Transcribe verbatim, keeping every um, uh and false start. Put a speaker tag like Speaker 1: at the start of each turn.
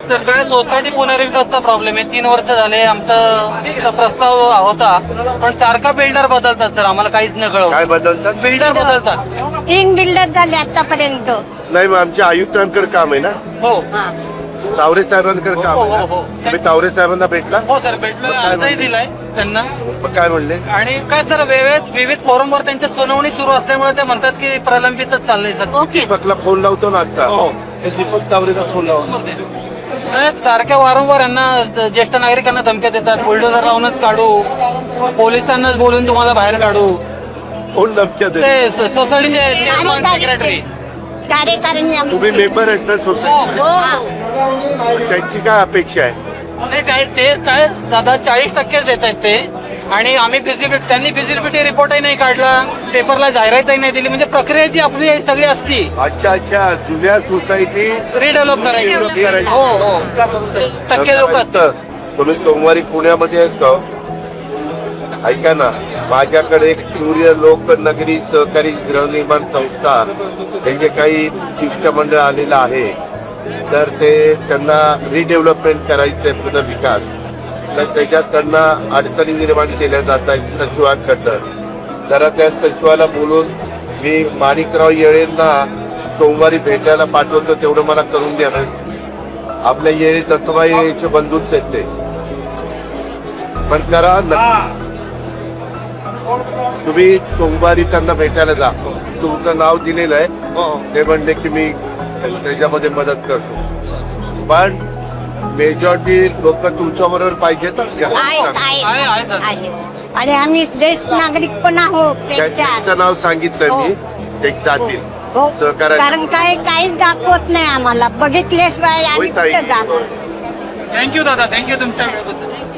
Speaker 1: सगळ्या society पुनर्विकासचा problem आहे. तीन वर्ष झाले आमचा प्रस्ताव होता, पण सारखा बिल्डर बदलतात सर. आम्हाला काहीच न कळव.
Speaker 2: काय बदलतात?
Speaker 1: बिल्डर बदलतात.
Speaker 3: तीन बिल्डर झाले आतापर्यंत.
Speaker 2: नाही मग आमच्या आयुक्तांकडे काम आहे ना,
Speaker 1: हो
Speaker 2: तावरे साहेबांकडे काम
Speaker 1: हो
Speaker 2: आहे
Speaker 1: हो
Speaker 2: ना.
Speaker 1: हो
Speaker 2: तुम्ही तावरे साहेबांना भेटला?
Speaker 1: हो सर, भेटलो, अर्जही दिलाय त्यांना.
Speaker 2: मग काय म्हणले?
Speaker 1: आणि काय सर, विविध विविध फोरमवर त्यांच्या सुनावणी सुरू असल्यामुळे ते म्हणतात की प्रलंबितच चाललंय सर.
Speaker 3: ओके.
Speaker 2: दीपकला फोन लावतो ना आता. हे दीपक तावरेला फोन लावतो.
Speaker 1: नाही, सारख्या वारंवार यांना ज्येष्ठ नागरिकांना धमक्या देतात. बुलडोझर लावूनच काढू, पोलिसांनाच बोलून तुम्हाला बाहेर काढू.
Speaker 2: कोण धमक्या देत?
Speaker 1: ते सोसायटीचे चेअरमन, सेक्रेटरी.
Speaker 3: कार्यकारिणी आम-
Speaker 2: तुम्ही मेंबर आहेत ना सोसायटी,
Speaker 3: हो.
Speaker 2: त्यांची काय अपेक्षा आहे?
Speaker 1: नाही काय ते काय दादा चाळीस टक्केच देत आहेत ते. आणि आम्ही फिजिबिलिटी, त्यांनी फिजिबिलिटी रिपोर्टही नाही काढला, पेपरला जाहिरातही नाही दिली. म्हणजे प्रक्रिया जी आपली सगळी असती
Speaker 2: अच्छा अच्छा, जुन्या सोसायटी
Speaker 1: रिडेव्हलप
Speaker 2: Redevelop
Speaker 1: करायची.
Speaker 2: करायची.
Speaker 1: हो हो टक्के लोक असतात.
Speaker 2: तुम्ही सोमवारी पुण्यामध्ये असतो. ऐका ना, माझ्याकडे एक सूर्य लोक नगरी सहकारी गृहनिर्माण संस्था, त्यांचे काही शिष्टमंडळ आलेलं आहे. तर ते त्यांना रिडेव्हलपमेंट करायचंय, पुनर्विकास. तर त्याच्यात त्यांना अडचणी निर्माण केल्या जात आहेत सचिवांकडनं. जरा त्या सचिवाला बोलून मी माणिकराव येळेंना सोमवारी भेटायला पाठवतो, तेवढं मला करून द्या ना. आपल्या येळे दत्तूबाईचे बंधूच आहेत ते. पण करा नक्की. तुम्ही सोमवारी त्यांना भेटायला जा. तुमचं नाव दिलेलं आहे, ते म्हणले की मी त्याच्यामध्ये मदत करतो. पण मेजॉरिटी लोक तुमच्या बरोबर पाहिजेत.
Speaker 3: आहेत
Speaker 1: आहे, आहे,
Speaker 3: आहेत
Speaker 1: आहेत.
Speaker 3: आहेत. आणि आम्ही ज्येष्ठ नागरिक पण आहोत
Speaker 2: त्यांचं
Speaker 3: त्यांच्या.
Speaker 2: नाव सांगितलं मी, एक जातील
Speaker 3: हो.
Speaker 2: सहकार्य.
Speaker 3: कारण काय काहीच दाखवत नाही आम्हाला, बघितल्याशिवाय आम्ही
Speaker 2: होय ताई.
Speaker 3: कुठं जाणार.
Speaker 1: थँक्यू दादा, थँक्यू तुमच्या वेळेबद्दल.